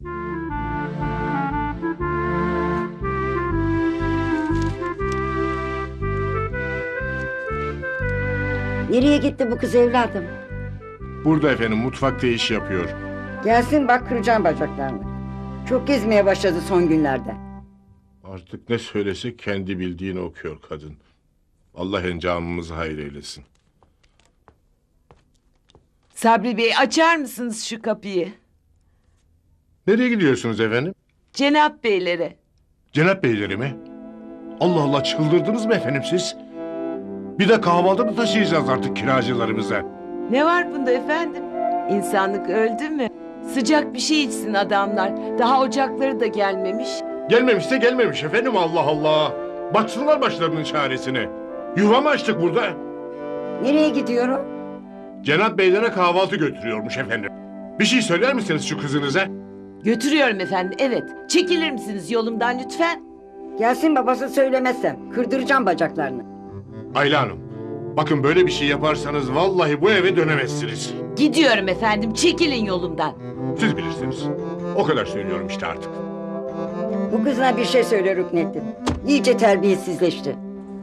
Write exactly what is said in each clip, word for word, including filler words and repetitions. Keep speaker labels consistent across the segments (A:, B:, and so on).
A: Nereye gitti bu kız evladım?
B: Burada efendim, mutfakta iş yapıyor.
A: Gelsin bak, kıracağım bacaklarını. Çok gezmeye başladı son günlerde.
B: Artık ne söylese kendi bildiğini okuyor kadın. Allah encamımızı hayır eylesin.
C: Sabri Bey, açar mısınız şu kapıyı?
B: Nereye gidiyorsunuz efendim?
C: Cenap Beylere.
B: Cenap beyleri mi? Allah Allah, çıldırdınız mı efendim siz? Bir de kahvaltı mı taşıyacağız artık kiracılarımıza?
C: Ne var bunda efendim? İnsanlık öldü mü? Sıcak bir şey içsin adamlar. Daha ocakları da gelmemiş.
B: Gelmemişse gelmemiş efendim, Allah Allah. Baksınlar başlarının çaresine. Yuva mı açtık burada?
A: Nereye gidiyorum?
B: Cenap beylere kahvaltı götürüyormuş efendim. Bir şey söyler misiniz şu kızınıza?
C: Götürüyorum efendim, evet. Çekilir misiniz yolumdan lütfen?
A: Gelsin babası, söylemezsem kırdıracağım bacaklarını.
B: Ayla Hanım, bakın böyle bir şey yaparsanız vallahi bu eve dönemezsiniz.
C: Gidiyorum efendim, çekilin yolumdan.
B: Siz bilirsiniz. O kadar söylüyorum işte artık.
A: Bu kızına bir şey söyle Rüknettin. İyice terbiyesizleşti.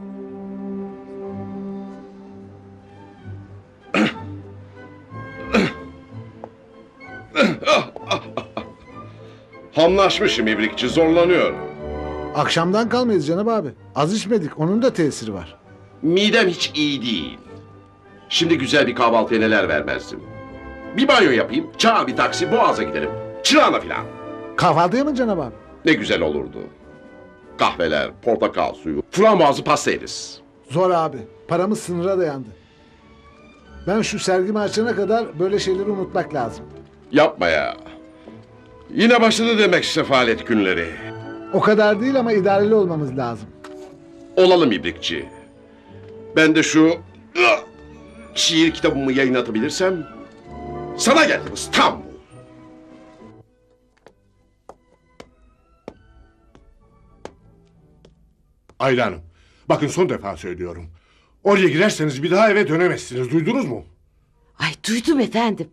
D: Hamlaşmışım ibrikçi, zorlanıyor.
E: Akşamdan kalmayız Cenab abi. Az içmedik, onun da tesiri var.
D: Midem hiç iyi değil. Şimdi güzel bir kahvaltıya neler vermezdim. Bir banyo yapayım, çağır bir taksi, Boğaz'a gidelim. Çırağına filan.
E: Kahvaltıya mı Cenab abi?
D: Ne güzel olurdu. Kahveler, portakal suyu, frambuazlı pasta yeriz.
E: Zor abi. Paramız sınıra dayandı. Ben şu sergimi açana kadar böyle şeyleri unutmak lazım.
D: Yapma ya. Yine başladı demek sefalet günleri.
E: O kadar değil ama idareli olmamız lazım.
D: Olalım ibrikçi. Ben de şu ıh, şiir kitabımı yayınlatabilirsem sana geldim İstanbul.
B: Ayla Hanım, bakın son defa söylüyorum. Oraya girerseniz bir daha eve dönemezsiniz. Duydunuz mu?
C: Ay duydum efendim.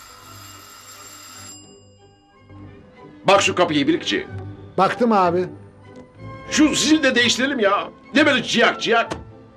D: Bak şu kapıyı ibrikçi.
E: Baktım abi.
D: Şu zili de değiştirelim ya. Ne böyle ciyak ciyak.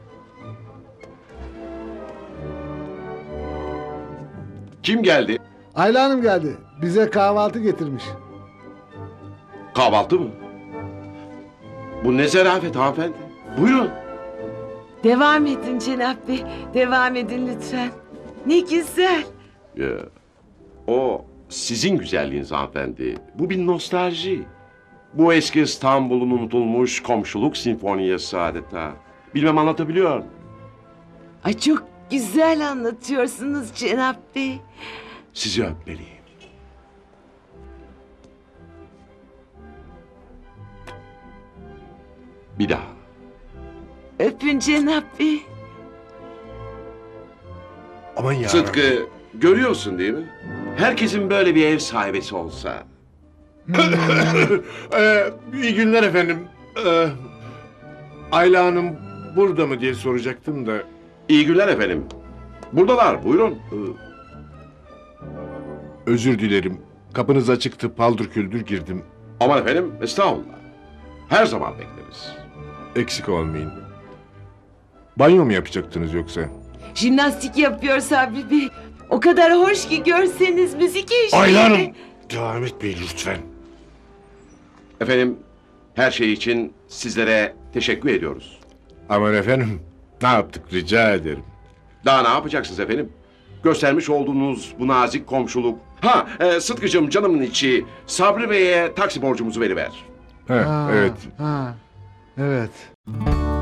D: Kim geldi?
E: Ayla Hanım geldi. Bize kahvaltı getirmiş.
D: Kahvaltı mı? Bu ne zarafet hanımefendi. Buyurun.
C: Devam edin Cenap Bey, devam edin lütfen. Ne güzel.
D: Ya, o sizin güzelliğiniz hanımefendi. Bu bir nostalji. Bu eski İstanbul'un unutulmuş komşuluk sinfoniyası adeta. Bilmem anlatabiliyor muyum?
C: Ay çok güzel anlatıyorsunuz Cenap Bey.
D: Sizi öpmeliyim. Bir daha.
C: Öpün Cenap Bey.
B: Aman ya.
D: Sıtkı, görüyorsun değil mi? Herkesin böyle bir ev sahibesi olsa.
B: ee, iyi günler efendim. Ee, Ayla Hanım burada mı diye soracaktım da.
D: İyi günler efendim. Buradalar, buyurun. Ee,
B: Özür dilerim. Kapınız açıktı, paldır küldür girdim.
D: Aman efendim, estağfurullah. Her zaman bekleriz.
B: Eksik olmayın. Banyo mu yapacaktınız yoksa?
C: Jimnastik yapıyor Sabri Bey. O kadar hoş ki görseniz müzik eşliğinde.
B: Ayla Hanım! Devam etmeyin lütfen.
D: Efendim, her şey için sizlere teşekkür ediyoruz.
B: Aman efendim, ne yaptık rica ederim.
D: Daha ne yapacaksınız efendim? Göstermiş olduğunuz bu nazik komşuluk. Ha, e, Sıtkı'cığım canımın içi, Sabri Bey'e taksi borcumuzu veriver.
B: Heh,
E: Ha,
B: evet.
E: Ha, evet.